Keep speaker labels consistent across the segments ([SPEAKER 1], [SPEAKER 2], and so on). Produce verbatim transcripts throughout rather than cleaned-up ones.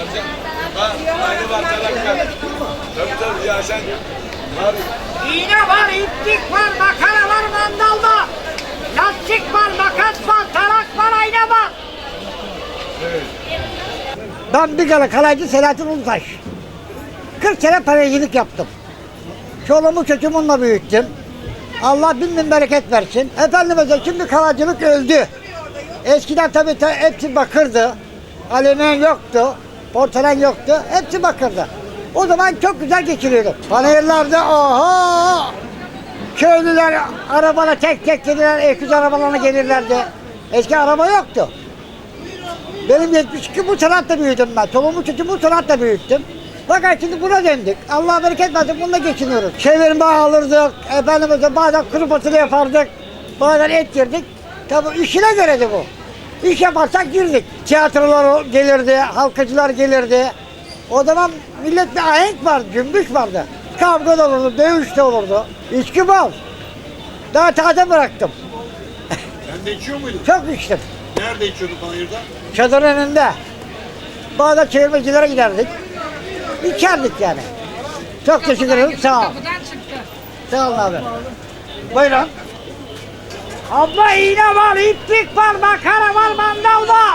[SPEAKER 1] Aynı var taraftar. Tabii tabii ya sen var.
[SPEAKER 2] İğne var, iplik var, makara var, mandal var. Lastik var, makas var, tarak var, ayna var.
[SPEAKER 1] Evet.
[SPEAKER 2] Ben bir kere kalaycı Selahattin Ulutaş. kırk sene paraycılık yaptım. Çoluğumu çocuğumu onunla büyüttüm. Allah bin bin bereket versin. Efendimiz'e şimdi kalaycılık öldü. Eskiden tabii ta, hepsi bakırdı. Alüminyum yoktu, porselen yoktu. Hepsi bakırdı. O zaman çok güzel geçiriyorduk. Panayırlarda oho! Köylüler arabana tek tek gelirler, öküz arabalarına gelirlerdi. Eski araba yoktu. Benim yetmiş iki bu sanatla büyüdüm ben. Çoluğumu çocuğumu bu sanatla büyüttüm. Fakat şimdi buna döndük. Allah bereket versin, bununla geçiniyoruz. Çevirme alırdık, efendimize bazen kuru fasulye yapardık, bazen et yerdik. Tabii işine göreydi bu. İş yaparsak girdik. Tiyatrolar gelirdi, halkacılar gelirdi. O zaman millet bir ahenk vardı, cümbüş vardı. Kavga da olurdu, dövüş de olurdu. İçki bol. Daha taze bıraktım.
[SPEAKER 3] Sen de içiyor muydun?
[SPEAKER 2] Çok içtim.
[SPEAKER 3] Nerede içiyordun panayırda?
[SPEAKER 2] Çadırın önünde. Bazen çevirmecilere giderdik. İçerdik yani. Çok teşekkür ederim. Sağ ol. Sağ olun abi. Buyurun. Abla iğne var, iplik var, makara var, mandal var.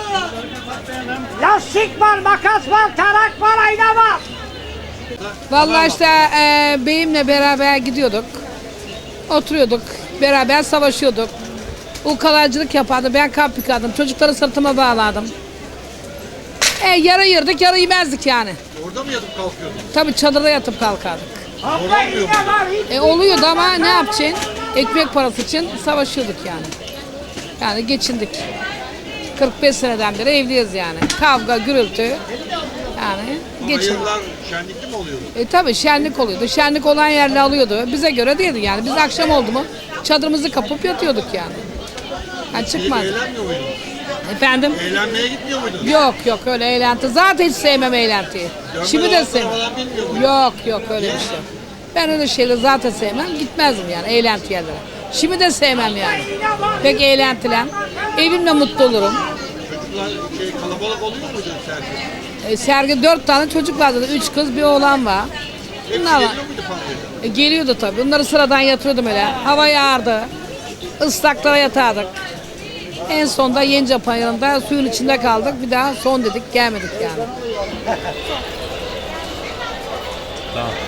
[SPEAKER 2] Lastik var, makas var, tarak var, ayna var.
[SPEAKER 4] Vallahi işte e, beyimle beraber gidiyorduk. Oturuyorduk. Beraber savaşıyorduk. O kalaycılık yapardı. Ben kamp yıkardım. Çocukları sırtıma bağladım. E, yarı yırdık, yarı yemezdik yani.
[SPEAKER 3] Orada mı yatıp kalkıyordun?
[SPEAKER 4] Tabii çadırda yatıp kalkardık.
[SPEAKER 2] Abla iğne var, iplik
[SPEAKER 4] E, oluyordu ama ne yapacaksın? Ekmek parası için savaşıyorduk yani. Yani geçindik. kırk beş seneden beri evliyiz yani. Kavga, gürültü. Yani geçindik.
[SPEAKER 3] Panayırlar şenlikli mi oluyordu?
[SPEAKER 4] E tabii şenlik oluyordu. Şenlik olan yerle alıyordu. Bize göre değildi yani. Biz akşam oldu mu çadırımızı kapıp yatıyorduk yani. Yani
[SPEAKER 3] Gidip
[SPEAKER 4] çıkmaz.
[SPEAKER 3] eğlenmiyor muydun?
[SPEAKER 4] Efendim?
[SPEAKER 3] Eğlenmeye gitmiyor muydun?
[SPEAKER 4] Yok yok öyle eğlenti. Zaten hiç sevmem eğlentiyi.
[SPEAKER 3] Dönme
[SPEAKER 4] Şimdi de
[SPEAKER 3] dolaşma
[SPEAKER 4] sevmem.
[SPEAKER 3] falan bilmiyor muydun?
[SPEAKER 4] Yok yok öyle bir şey. Ben öyle şeyleri zaten sevmem. Gitmezdim yani eğlenti yerlere. Şimdi de sevmem yani. Pek eğlentilen. Evimle mutlu olurum.
[SPEAKER 3] Çocuklar şey, kalabalık oluyor muydu sergi?
[SPEAKER 4] E, sergi dört tane çocuk vardı. Üç kız bir oğlan var.
[SPEAKER 3] Hepsi
[SPEAKER 4] Bunlar var.
[SPEAKER 3] geliyor muydu panayırda?
[SPEAKER 4] E, geliyordu tabii. Bunları sıradan yatırıyordum öyle. Hava yağardı. Islaklara yatardık. En sonunda Yence Payırı'nda suyun içinde kaldık. Bir daha son dedik gelmedik yani.
[SPEAKER 5] Tamam.